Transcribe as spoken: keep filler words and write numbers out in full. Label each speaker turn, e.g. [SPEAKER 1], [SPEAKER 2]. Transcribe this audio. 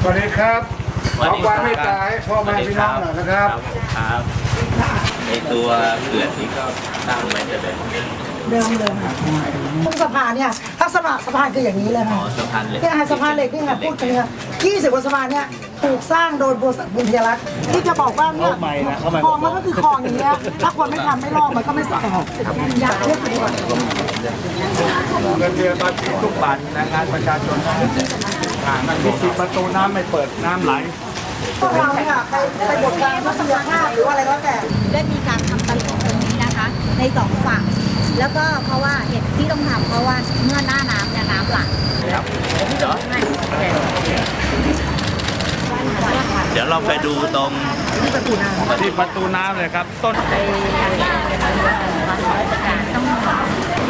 [SPEAKER 1] สวัสดีครับขอความเมตตาให้พ่อแม่พี่น้องหน่อยนะครับ
[SPEAKER 2] ครับในตัวเขื่อนนี้ก็ตั้งไว้จะเป็น
[SPEAKER 3] เดิมเลยค่ะตรงสะพานเนี่ยถ้าสะพานสะพานคืออย่างนี้เลยค่ะ
[SPEAKER 2] สะพานเหล็ก
[SPEAKER 3] เนี่ยสะพานเหล็กนี่ค่ะพูดถึงเนี่ยยี่สิบกว่าสะพานเนี่ยถูกสร้างโดยบริษัทบุญยรัตน์ที่จะบอกว่าเนี่ยคลองมันก็คือคลองอย่างเงี้ยถ้าคนไม่ทำไม่ลอกมันก็ไม่สะอาดอยากเรียกดีกว่า
[SPEAKER 1] เงินเดือนภาษีทุกบาทแรงงานประชาชนที่ปิดประตูน้ำไม่เปิดน้ำไหล
[SPEAKER 3] พวกเราเนี่ยไปไปบทการทัศนภาพหรืออะไรก็แต่
[SPEAKER 4] ได้มีการทำตลิ่งตรงนี้นะคะในสองฝั่งแล้วก็เพราะว่าเหตุที่ต้องทำเพราะว่าเมื่อหน้าน้ำเนี่ยน้ำหลาก
[SPEAKER 2] ครับเดี๋ยวเราไปดูตรง
[SPEAKER 3] ที่ประตูน้ำ
[SPEAKER 1] ที่ประตูน้ำเลยครับต้น
[SPEAKER 4] ไปทางราชการต้อง